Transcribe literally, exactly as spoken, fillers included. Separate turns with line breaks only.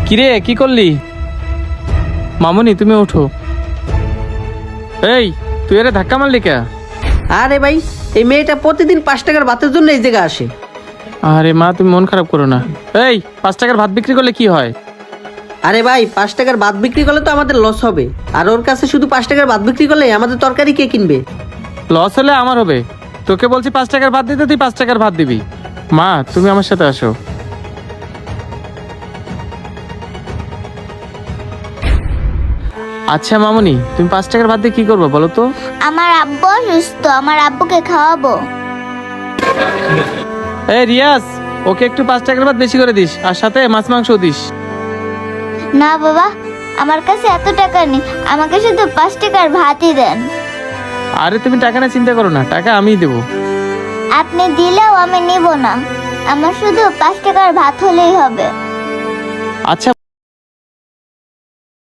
কিরে কি করলি? মামুনি তুমি ওঠো। এই তুই এরে ধাক্কা মারলি কে?
আরে ভাই, এই মেয়েটা প্রতিদিন পাঁচ টাকার ভাতের জন্য এই জায়গায় আসে।
আরে মা তুমি মন খারাপ করো না। এই পাঁচ টাকার ভাত বিক্রি করলে কি হয়?
আরে ভাই, পাঁচ টাকার ভাত বিক্রি করলে তো আমাদের লস হবে, আর ওর কাছে শুধু পাঁচ টাকার ভাত বিক্রি করলে আমাদের তরকারি কে কিনবে?
লস হলে আমার হবে। তোকে বলছি পাঁচ টাকার ভাত দিতে, তুই পাঁচ টাকার ভাত দিবি। মা তুমি আমার সাথে আসো। আচ্ছা মামুনি, তুমি পাঁচ টাকার ভাত দিয়ে কি করবে বলো তো?
আমার আব্বু অসুস্থ, আমার আব্বুকে খাওয়াবো।
এই রিয়াজ, ওকে একটু পাঁচ টাকার ভাত বেশি করে দিস, আর সাথে মাছ মাংস দিস।
না বাবা, আমার কাছে এত টাকা নেই, আমাকে শুধু পাঁচ টাকার ভাতই দেন।
আরে তুমি টাকা না চিন্তা করো না, টাকা আমিই দেবো।
আপনি দিলেও আমি নিব না, আমার শুধু পাঁচ টাকার ভাত হলেই হবে।
আচ্ছা